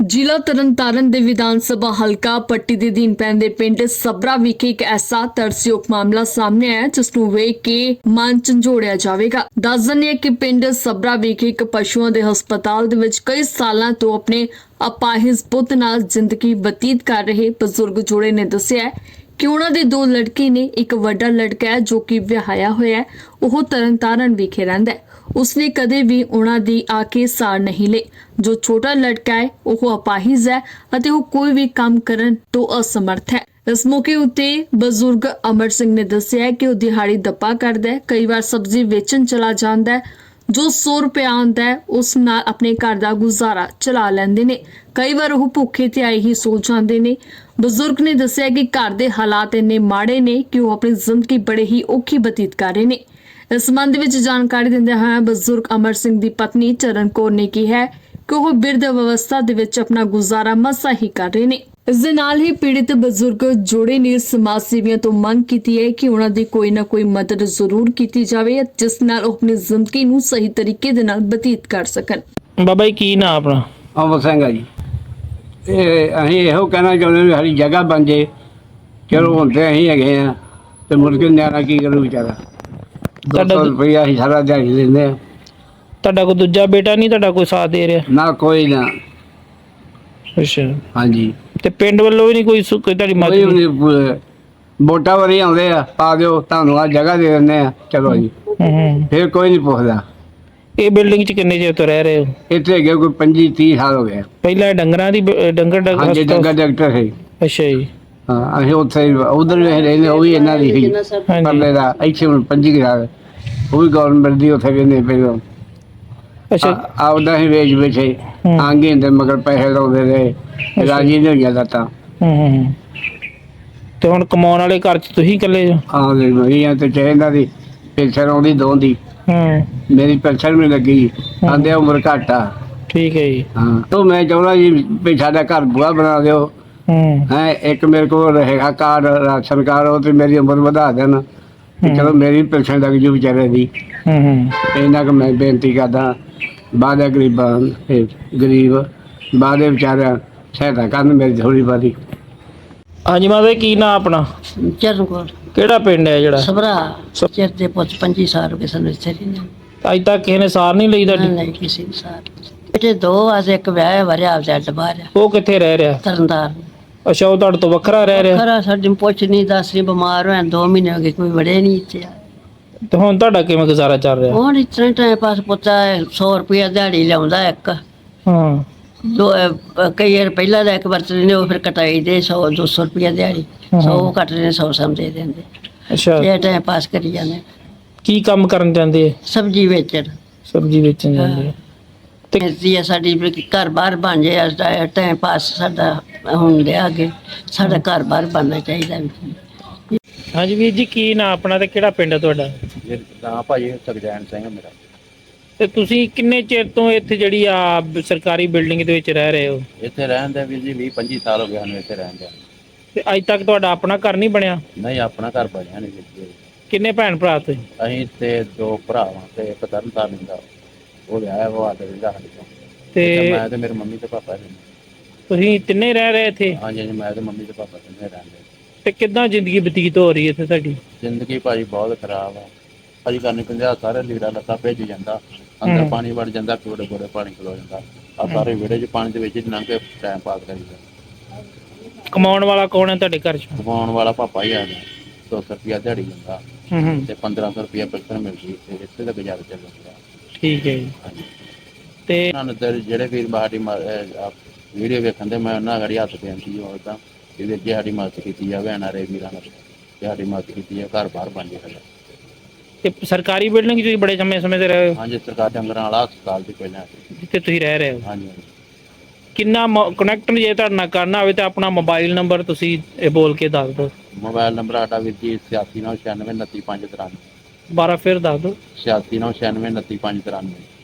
ਜ਼ਿਲ੍ਹਾ ਤਰਨਤਾਰਨ ਦੇ ਵਿਧਾਨ ਸਭਾ ਹਲਕਾ ਪੱਟੀ ਦੇ ਅਧੀਨ ਪੈਂਦੇ ਪਿੰਡ ਸਬਰਾ ਵਿਖੇ ਇੱਕ ਐਸਾ ਤਰਸਯੋਗ ਮਾਮਲਾ ਸਾਹਮਣੇ ਆਇਆ ਜਿਸ ਨੂੰ ਵੇਖ ਕੇ ਮਨ ਝੰਜੋੜਿਆ ਜਾਵੇਗਾ। ਦੱਸ ਦਿੰਦੇ ਹਾਂ ਕਿ ਪਿੰਡ ਸਬਰਾ ਵਿਖੇ ਇੱਕ ਪਸ਼ੂਆਂ ਦੇ ਹਸਪਤਾਲ ਦੇ ਵਿੱਚ ਕਈ ਸਾਲਾਂ ਤੋਂ ਆਪਣੇ ਅਪਾਹਿਜ ਪੁੱਤ ਨਾਲ ਜ਼ਿੰਦਗੀ ਬਤੀਤ ਕਰ ਰਹੇ ਬਜ਼ੁਰਗ ਜੋੜੇ ਨੇ ਦੱਸਿਆ ਕਿ ਉਹਨਾਂ ਦੇ ਦੋ ਲੜਕੇ ਨੇ। ਇੱਕ ਵੱਡਾ ਲੜਕਾ ਹੈ ਜੋ ਕਿ ਵਿਆਹਿਆ ਹੋਇਆ ਹੈ, ਉਹ ਤਰਨਤਾਰਨ ਵਿਖੇ ਰਹਿੰਦਾ ਹੈ। ਉਸਨੇ ਕਦੇ ਵੀ ਉਹਨਾਂ ਦੀ ਆ ਕੇ ਸਾਰ ਨਹੀਂ ਲਈ। ਜੋ ਛੋਟਾ ਲੜਕਾ ਹੈ ਉਹ ਅਪਾਹਿਜ ਹੈ ਅਤੇ ਉਹ ਕੋਈ ਵੀ ਕੰਮ ਕਰਨ ਤੋਂ ਅਸਮਰਥ ਹੈ। ਇਸ ਮੌਕੇ ਉੱਤੇ ਬਜ਼ੁਰਗ ਅਮਰ ਸਿੰਘ ਨੇ ਦੱਸਿਆ ਕਿ ਉਹ ਦਿਹਾੜੀ ਦੱਪਾ ਕਰਦਾ ਹੈ, ਕਈ ਵਾਰ ਸਬਜ਼ੀ ਵੇਚਣ ਚਲਾ ਜਾਂਦਾ ਹੈ। ਜੋ 100 ਰੁਪਏ ਆਉਂਦਾ ਹੈ ਉਸ ਨਾਲ ਆਪਣੇ ਘਰ ਦਾ ਗੁਜ਼ਾਰਾ ਚਲਾ ਲੈਂਦੇ ਨੇ। ਕਈ ਵਾਰ ਉਹ ਭੁੱਖੇ ਤੇ ਆਏ ਹੀ ਸੋ ਜਾਂਦੇ ਨੇ। ਬਜ਼ੁਰਗ ਨੇ ਦੱਸਿਆ ਕਿ ਘਰ ਦੇ ਹਾਲਾਤ ਇੰਨੇ ਮਾੜੇ ਨੇ ਕਿ ਉਹ ਆਪਣੀ ਜ਼ਿੰਦਗੀ ਬੜੇ ਹੀ ਔਖੀ ਬਤੀਤ ਕਰ ਰਹੇ ਨੇ। ਇਸ ਸੰਬੰਧ ਵਿੱਚ ਜਾਣਕਾਰੀ ਦਿੰਦਿਆਂ ਹੋਇਆ ਬਜ਼ੁਰਗ ਅਮਰ ਸਿੰਘ ਦੀ ਪਤਨੀ ਚਰਨ ਕੌਰ ਨੇ ਕਿਹਾ ਕਿ ਉਹ ਬਿਰਧ ਅਵਸਥਾ ਦੇ ਵਿੱਚ ਆਪਣਾ ਗੁਜ਼ਾਰਾ ਮਸਾਂ ਹੀ ਕਰ ਰਹੇ ਨੇ। ਇਸ ਦੇ ਨਾਲ ਹੀ ਪੀੜਿਤ ਬਜ਼ੁਰਗ ਜੋੜੇ ਨੇ ਸਮਾਜ ਸੇਵੀਆਂ ਤੋਂ ਮੰਗ ਕੀਤੀ ਹੈ ਕਿ ਉਹਨਾਂ ਦੀ ਕੋਈ ਨਾ ਕੋਈ ਮਦਦ ਜ਼ਰੂਰ ਕੀਤੀ ਜਾਵੇ ਜਿਸ ਨਾਲ ਉਹ ਆਪਣੀ ਜ਼ਿੰਦਗੀ ਨੂੰ ਸਹੀ ਤਰੀਕੇ ਦੇ ਨਾਲ ਬਤੀਤ ਕਰ ਸਕਣ। ਬਾਬਾ ਜੀ ਕੀ ਨਾਂ ਆਪਣਾ? ਅਮਰ ਸਿੰਘ ਆ ਜੀ। ਇਹ ਅਸੀਂ ਇਹੋ ਕਹਿਣਾ ਚਾਹੁੰਦੇ ਵੀ ਸਾਡੀ ਜਗ੍ਹਾ ਬਣ ਜੇ। ਚਲੋ ਹੁਣ ਤੇ ਅਸੀਂ ਹੈਗੇ ਆ ਤੇ ਮੁੜ ਕੇ ਨਿਆਣਾ ਕੀ ਕਰੂ ਵਿਚਾਰਾ। 200 ਰੁਪਈਆ ਅਸੀਂ ਸਾਰਾ ਦਿਹਾੜੀ ਲੈਂਦੇ ਆ। ਤੁਹਾਡਾ ਕੋਈ ਦੂਜਾ ਬੇਟਾ ਨਹੀਂ ਤੁਹਾਡਾ ਕੋਈ ਸਾਥ ਦੇ ਰਿਹਾ? ਨਾ ਕੋਈ ਨਾ। ਅੱਛਾ। ਹਾਂਜੀ। ਤੇ ਪਿੰਡ ਵੱਲੋਂ ਵੀ ਨਹੀਂ ਕੋਈ ਕੋਈ ਤੁਹਾਡੀ ਕੋਈ ਮਦਦ? ਵੀ ਨਹੀਂ। ਵੋਟਾਂ ਵਾਰੀ ਆਉਂਦੇ ਆ, ਪਾ ਦਿਓ ਤੁਹਾਨੂੰ ਆ ਜਗ੍ਹਾ ਦੇ ਦਿੰਦੇ ਆ, ਚਲੋ ਜੀ। ਫਿਰ ਕੋਈ ਨਹੀਂ ਪੁੱਛਦਾ। ਇਹ ਬਿਲਡਿੰਗ 'ਚ ਕਿੰਨੇ ਚਿਰ ਤੋਂ ਰਹਿ ਰਹੇ ਹੋ? ਇੱਥੇ ਹੈਗੇ ਕੋਈ 25-30 ਸਾਲ ਹੋ ਗਏ। ਪਹਿਲਾਂ ਡੰਗਰਾਂ ਦੀ ਡੰਗਰ ਹਾਂਜੀ, ਡੰਗਰ ਡਾਕਟਰ ਸੀ। ਅੱਛਾ ਜੀ। ਹਾਂ, ਅਸੀਂ ਉੱਥੇ ਉਧਰ ਵੀ ਰਹਿੰਦੇ, ਉਹ ਵੀ ਇਹਨਾਂ ਦੀ ਸੀ ਪਰਲੇ ਦਾ। ਇੱਥੇ ਹੁਣ 25 ਸਾਲ ਉਹ ਵੀ ਗਵਰਨਮੈਂਟ ਦੀ ਉੱਥੇ ਕਹਿੰਦੇ ਪਹਿਲਾਂ। ਅੱਛਾ। ਆਪਦਾ ਹੀ ਵੇਚ ਬੈਠੇ ਆਂਗੇ ਹੁੰਦੇ ਮਗਰ ਪੈਸੇ ਲਾਉਂਦੇ ਰਹੇ, ਰਾਜੀ ਨਹੀਂ ਹੋਈਆਂ ਲੱਤਾਂ। ਤੇ ਹੁਣ ਕਮਾਉਣ ਵਾਲੇ ਘਰ 'ਚ ਤੁਸੀਂ ਇਕੱਲੇ ਜੋ? ਆਉਂਦੇ ਮਰੀਆਂ ਤੇ ਇਹਨਾਂ ਦੀ ਪੈਨਸ਼ਨ ਆਉਂਦੀ ਦੋਹਾਂ ਦੀ। ਮੇਰੀ ਪੈਨਸ਼ਨ ਵੀ ਲੱਗੀ, ਆਂਦੇ ਉਮਰ ਘੱਟ ਆ। ਠੀਕ ਹੈ ਜੀ। ਹਾਂ, ਤੋਂ ਮੈਂ ਚਾਹੁੰਦਾ ਜੀ ਵੀ ਸਾਡਾ ਘਰ ਬੁਆ ਬਣਾ ਦਿਓ। ਹੈ ਇੱਕ ਮੇਰੇ ਕੋਲ ਰਹੇਗਾ ਕਾਰਡ, ਰਾਸ਼ਨ ਕਾਰਡ, ਉਹ ਤੇ ਮੇਰੀ ਉਮਰ ਵਧਾ ਦੇਣ ਤੇ ਚਲੋ ਮੇਰੀ ਪੈਨਸ਼ਨ ਲੱਗ ਜੂ ਵਿਚਾਰੇ ਦੀ। ਇਹਨਾਂ ਕੁ ਮੈਂ ਬੇਨਤੀ ਕਰਦਾ। ਬਾਅਦ ਗਰੀਬਾਂ ਗਰੀਬ ਬਾਅਦ ਵਿਚਾਰਿਆਂ ਸਹਾਇਤਾ ਕਰਨ ਮੇਰੀ ਥੋੜ੍ਹੀ ਬਹੁਤੀ। ਹਾਂਜੀ ਮਾਤਾ ਜੀ ਕੀ ਨਾਂ ਆਪਣਾ? ਚਰਨ ਕੌਰ। ਕਿਹੜਾ ਪਿੰਡ ਹੈ ਜਿਹੜਾ? ਸਬਰਾ। ਚਿਰ ਦੇ ਪੁੱਤ 25 ਸਾਲ ਹੋ ਗਏ ਸਾਨੂੰ ਇੱਥੇ ਰਹਿੰਦੇ। ਅੱਜ ਤੱਕ ਕਿਸੇ ਨੇ ਸਾਰ ਨਹੀਂ ਲਈ ਤੁਹਾਡੀ? ਨਹੀਂ ਕਿਸੇ ਨੇ ਸਾਰ। ਬੇਟੇ ਦੋ ਆਸ, ਇੱਕ ਵਿਆਹ ਵਰਿਆ ਆਪਦਾ ਅੱਡ ਬਾਹਰ ਆ ਉਹ ਕਿੱਥੇ ਰਹਿ ਰਿਹਾ? ਤਰਨਤਾਰਨ। ਅੱਛਾ, ਉਹ ਤੁਹਾਡੇ ਤੋਂ ਵੱਖਰਾ ਰਹਿ ਰਿਹਾ? ਖਰਾ ਸਾਡੀ ਪੁੱਛ ਨਹੀਂ ਦੱਸ ਨਹੀਂ, ਬਿਮਾਰ ਹੋਇਆ 2 ਮਹੀਨੇ ਹੋ ਗਏ, ਕੋਈ ਵੜੇ ਨਹੀਂ ਇੱਥੇ। ਤੇ ਹੁਣ ਤੁਹਾਡਾ ਕਿਵੇਂ ਗੁਜ਼ਾਰਾ ਚੱਲ ਰਿਹਾ? ਹੁਣ ਇਸ ਤਰ੍ਹਾਂ ਟਾਈਮ ਪਾਸ ਪੁੱਤਾ 100 ਰੁਪਇਆ ਦਿਹਾੜੀ ਲਿਆਉਂਦਾ ਇੱਕ। ਦੋ ਕਈ ਵਾਰ ਪਹਿਲਾਂ ਦਾ ਇੱਕ ਵਰਤਦੇ ਨੇ, ਉਹ ਫਿਰ ਕਟਾਈ ਦੇ 100-200 ਰੁਪਇਆ ਦਿਹਾੜੀ। 100 ਕੱਟਦੇ ਨੇ, 100 ਸਮ ਦੇ ਦਿੰਦੇ। ਅੱਛਾ। ਇਹ ਟਾਈਮ ਪਾਸ ਕਰੀ ਜਾਂਦੇ। ਕੀ ਕੰਮ ਕਰਨ ਜਾਂਦੇ? ਸਬਜ਼ੀ ਵੇਚਣ। ਸਬਜ਼ੀ ਵੇਚਣ ਜਾਂਦੇ। ਤੇ ਸਾਡੀ ਘਰ ਬਾਹਰ ਬਣ ਜਾਏ, ਟਾਈਮ ਪਾਸ ਸਾਡਾ ਹੁਣ ਲਿਆ ਅੱਗੇ। ਸਾਡਾ ਘਰ ਬਾਹਰ ਬਣਨਾ ਚਾਹੀਦਾ। ਹਾਂਜੀ ਵੀਰ ਜੀ ਕੀ ਨਾਂ ਆਪਣਾ ਤੇ ਕਿਹੜਾ ਪਿੰਡ ਹੈ ਤੁਹਾਡਾ? ਨਾਂ ਭਾਜੀ ਸੁਖਜੈਨ ਸਿੰਘ ਮੇਰਾ। ਤੇ ਤੁਸੀਂ ਕਿੰਨੇ ਚਿਰ ਤੋਂ ਇੱਥੇ ਜਿਹੜੀ ਆ ਸਰਕਾਰੀ ਬਿਲਡਿੰਗ ਦੇ ਵਿੱਚ ਰਹਿ ਰਹੇ ਹੋ? ਇੱਥੇ ਰਹਿਣ ਦੇ ਵੀਰ ਜੀ 20-25 ਸਾਲ ਹੋ ਗਏ ਸਾਨੂੰ ਇੱਥੇ ਰਹਿਣ ਦੇ। ਤੇ ਅੱਜ ਤੱਕ ਤੁਹਾਡਾ ਆਪਣਾ ਘਰ ਨਹੀਂ ਬਣਿਆ? ਨਹੀਂ, ਆਪਣਾ ਘਰ ਬਣਿਆ ਨਹੀਂ ਵੀਰ ਜੀ। ਕਿੰਨੇ ਭੈਣ ਭਰਾ ਤੁਸੀਂ? ਅਸੀਂ ਤੇ 2 ਭਰਾ ਵਾਂ ਤੇ ਇੱਕ ਤਰਨਤਾਰਨ ਦਾ, ਉਹ ਵਿਆਹਿਆ ਵਾ ਤੇ ਰਹਿੰਦਾ ਸਾਡੇ ਕੋਲ। ਤੇ ਮੈਂ ਤੇ ਮੇਰੇ ਮੰਮੀ ਤੇ ਪਾਪਾ ਨੇ। ਤੁਸੀਂ ਤਿੰਨੇ ਰਹਿ ਰਹੇ ਇੱਥੇ? ਹਾਂਜੀ ਹਾਂਜੀ, ਮੈਂ ਤੇ ਮੰਮੀ ਤੇ ਪਾਪਾ ਤਿੰਨੇ ਰਹਿੰਦੇ। ਤੇ ਕਿੱਦਾਂ ਜ਼ਿੰਦਗੀ ਬਤੀਤ ਹੋ ਰਹੀ ਹੈ ਇੱਥੇ ਤੁਹਾਡੀ? ਜ਼ਿੰਦਗੀ ਭਾਜੀ ਬਹੁਤ ਖਰਾਬ ਆ ਭਾਜੀ। ਕਰਨੀ ਪੰਜਾਹ ਸਾਰੇ ਲੀੜਾ ਲੱਤਾ ਭੇਜ ਜਾਂਦਾ, ਅੰਦਰ ਪਾਣੀ ਵੜ ਜਾਂਦਾ, ਕੋੜੇ ਕੋੜੇ ਪਾਣੀ ਖਲੋ ਜਾਂਦਾ। ਆ ਸਾਰੇ ਵਿਹੜੇ 'ਚ ਪਾਣੀ ਦੇ ਵਿੱਚ ਲੰਘ ਕੇ ਟਾਈਮ ਪਾਸ ਕਰੀਦਾ। ਕਮਾਉਣ ਵਾਲਾ ਕੌਣ ਹੈ ਤੁਹਾਡੇ ਘਰ 'ਚ? ਕਮਾਉਣ ਵਾਲਾ ਪਾਪਾ ਹੀ ਆ ਗਿਆ। 200 ਰੁਪਇਆ ਦਿਹਾੜੀ ਜਾਂਦਾ ਤੇ 1500 ਰੁਪਇਆ ਪੈਨਸ਼ਨ ਮਿਲਦੀ ਤੇ ਇੱਥੇ ਦਾ ਗੁਜ਼ਾਰਾ ਚੱਲ ਜਾਂਦਾ। ਠੀਕ ਹੈ ਜੀ। ਤੇ ਜਿਹੜੇ ਵੀਰ ਸਾਡੀ ਵੀਡੀਓ ਵੇਖਣ ਦੇ, ਮੈਂ ਉਹਨਾਂ ਘੜੀ ਹੱਥ ਬੇਨਤੀ ਹੋਦਾ ਕਿ ਵੀਰ ਜੀ ਸਾਡੀ ਮਦਦ ਕੀਤੀ ਜਾਵੇ। ਐਨਆਰਆਈ ਵੀਰਾਂ ਨਾਲ ਸਾਡੀ ਮਦਦ ਕੀਤੀ ਜਾਵੇ, ਘਰ ਬਾਹਰ ਬਣ ਜੇ ਸਾਡਾ। ਤੇ ਸਰਕਾਰੀ ਬਿਲਡਿੰਗ 'ਚ ਤੁਸੀਂ ਬੜੇ ਸਮੇਂ ਤੇ ਰਹੇ ਹੋ? ਹਾਂਜੀ, ਸਰਕਾਰ ਡੰਗਰਾਂ ਵਾਲਾ ਹਸਪਤਾਲ ਦੀ ਪਹਿਲਾਂ ਜਿੱਥੇ ਤੁਸੀਂ ਰਹਿ ਰਹੇ ਹੋ? ਹਾਂਜੀ ਹਾਂਜੀ। ਕਿੰਨਾ ਕਨੈਕਟ ਜੇ ਤੁਹਾਡੇ ਨਾਲ ਕਰਨਾ ਹੋਵੇ ਤਾਂ ਆਪਣਾ ਮੋਬਾਈਲ ਨੰਬਰ ਤੁਸੀਂ ਇਹ ਬੋਲ ਕੇ ਦੱਸ ਦਿਓ। ਮੋਬਾਈਲ ਨੰਬਰ ਸਾਡਾ ਵੀਰ ਜੀ 8696 293593। ਦੁਬਾਰਾ ਫਿਰ ਦੱਸ ਦਿਓ। 8696 293593।